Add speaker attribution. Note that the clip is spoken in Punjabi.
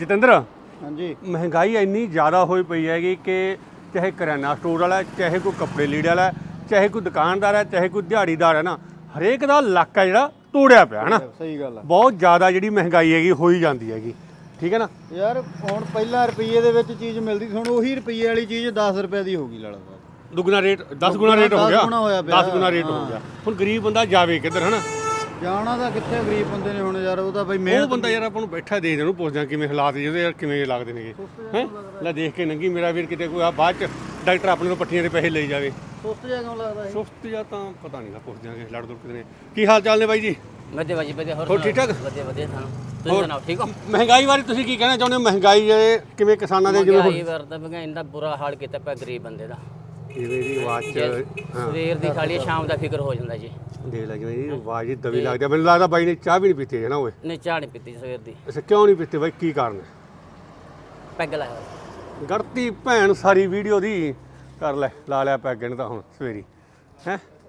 Speaker 1: ਜਤਿੰਦਰ
Speaker 2: ਹਾਂਜੀ
Speaker 1: ਮਹਿੰਗਾਈ ਇੰਨੀ ਜ਼ਿਆਦਾ ਹੋਈ ਪਈ ਹੈਗੀ ਕਿ ਚਾਹੇ ਕਰਿਆਨਾ ਸਟੋਰ ਵਾਲਾ, ਚਾਹੇ ਕੋਈ ਕੱਪੜੇ ਲੀੜੇ ਵਾਲਾ, ਚਾਹੇ ਕੋਈ ਦੁਕਾਨਦਾਰ ਹੈ, ਚਾਹੇ ਕੋਈ ਦਿਹਾੜੀਦਾਰ ਹੈ ਨਾ, ਹਰੇਕ ਦਾ ਲੱਕ ਹੈ ਜਿਹੜਾ ਤੋੜਿਆ ਪਿਆ ਹੈ ਨਾ।
Speaker 2: ਸਹੀ ਗੱਲ ਆ।
Speaker 1: ਬਹੁਤ ਜ਼ਿਆਦਾ ਜਿਹੜੀ ਮਹਿੰਗਾਈ ਹੈਗੀ ਹੋਈ ਜਾਂਦੀ ਹੈਗੀ, ਠੀਕ ਹੈ ਨਾ।
Speaker 2: ਯਾਰ ਹੁਣ ਪਹਿਲਾਂ ਰੁਪਈਏ ਦੇ ਵਿੱਚ ਚੀਜ਼ ਮਿਲਦੀ ਸੀ, ਹੁਣ ਉਹੀ ਰੁਪਈਏ ਵਾਲੀ ਚੀਜ਼ 10 ਰੁਪਏ ਦੀ ਹੋ ਗਈ ਲੜਾ
Speaker 1: ਦੁੱਗਣਾ ਰੇਟ 10 ਗੁਣਾ ਰੇਟ ਹੋ ਗਿਆ,
Speaker 2: 10 ਗੁਣਾ ਹੋਇਆ ਪਿਆ।
Speaker 1: 10 ਗੁਣਾ ਰੇਟ ਹੋ ਗਿਆ। ਹੁਣ ਗਰੀਬ ਬੰਦਾ ਜਾਵੇ ਕਿੱਧਰ, ਹੈ ਨਾ।
Speaker 2: ਜਾਣਾ ਤਾਂ ਕਿੱਥੇ ਗਰੀਬ ਬੰਦੇ ਨੇ ਹੁਣ ਯਾਰ, ਉਹ ਤਾਂ ਬਈ
Speaker 1: ਉਹ
Speaker 2: ਮਿਹਨਤ
Speaker 1: ਬੰਦਾ ਯਾਰ ਆਪਾਂ ਨੂੰ ਬੈਠਾ ਦੇਖ ਉਹਨੂੰ ਪੁੱਛਦਾ ਕਿਵੇਂ ਹਾਲਾਤ ਜਿਹਦੇ ਯਾਰ ਕਿਵੇਂ ਲੱਗਦੇ ਨੇਗੇ ਹੈ। ਲੈ ਦੇਖ ਕੇ ਨੰਗੀ ਮੇਰਾ ਵੀਰ, ਕਿਤੇ ਕੋਈ ਆ ਬਾਅਦ ਚ ਡਾਕਟਰ ਆਪਣੇ ਨੂੰ ਪੱਟੀਆਂ ਦੇ ਪੈਸੇ ਲਈ ਜਾਵੇ।
Speaker 2: ਸੁਸਤ ਜਿਹਾ ਕਿਉਂ ਲੱਗਦਾ ਇਹ?
Speaker 1: ਸੁਸਤ ਜਾਂ ਤਾਂ ਪਤਾ ਨਹੀਂ, ਪੁੱਛ ਦਿਆਂਗੇ ਲੜ ਦੁੜ ਕਿਤੇ ਨੇ। ਕੀ ਹਾਲ ਚਾਲ ਨੇ ਬਾਈ ਜੀ?
Speaker 3: ਵਧੀਆ ਬਾਜੀ ਵਧੀਆ।
Speaker 1: ਹੋਰ ਠੀਕ ਠਾਕ?
Speaker 3: ਵਧੀਆ ਵਧੀਆ। ਤੁਸੀਂ ਸੁਣਾਓ ਠੀਕ ਹੋ?
Speaker 1: ਮਹਿੰਗਾਈ ਬਾਰੇ ਤੁਸੀਂ ਕੀ ਕਹਿਣਾ ਚਾਹੁੰਦੇ ਹੋ? ਮਹਿੰਗਾਈ ਕਿਵੇਂ ਕਿਸਾਨਾਂ ਦੇ ਜਿਵੇਂ
Speaker 3: ਮਹਿੰਗਾਈ ਵਰਦਾ ਮਹਿੰਗਾਈ ਦਾ ਬੁਰਾ ਹਾਲ ਕੀਤਾ ਪਿਆ ਗਰੀਬ ਬੰਦੇ ਦਾ।
Speaker 1: ਜਿਵੇਂ ਦੀ ਆਵਾਜ਼ ਚ
Speaker 3: ਸਵੇਰ ਦੀ ਖਾਲੀ ਸ਼ਾਮ ਦਾ ਫਿਕਰ ਹੋ ਜਾਂਦਾ ਜੀ।
Speaker 1: ਦੇਖ ਲੈ ਜਿਵੇਂ ਦੀ ਆਵਾਜ਼ ਹੀ ਦਵੀ ਲੱਗਦੀ ਆ। ਮੈਨੂੰ ਲੱਗਦਾ ਬਾਈ ਨੇ ਚਾਹ ਵੀ ਨਹੀਂ ਪੀਤੀ ਹੈ ਨਾ ਓਏ।
Speaker 3: ਨਹੀਂ ਚਾਹ ਨਹੀਂ ਪੀਤੀ ਸਵੇਰ ਦੀ।
Speaker 1: ਅੱਛਾ ਕਿਉਂ ਨਹੀਂ ਪੀਤੀ ਬਾਈ, ਕੀ ਕਾਰਨ ਹੈ?
Speaker 3: ਪੈਗ ਲਾਇਆ ਹੋਇਆ।
Speaker 1: ਗੜਤੀ ਭੈਣ ਸਾਰੀ ਵੀਡੀਓ ਦੀ ਕਰ ਲੈ, ਲਾ ਲਿਆ ਪੈਗ ਇਹਨੇ ਤਾਂ ਹੁਣ ਸਵੇਰੀ ਹੈ।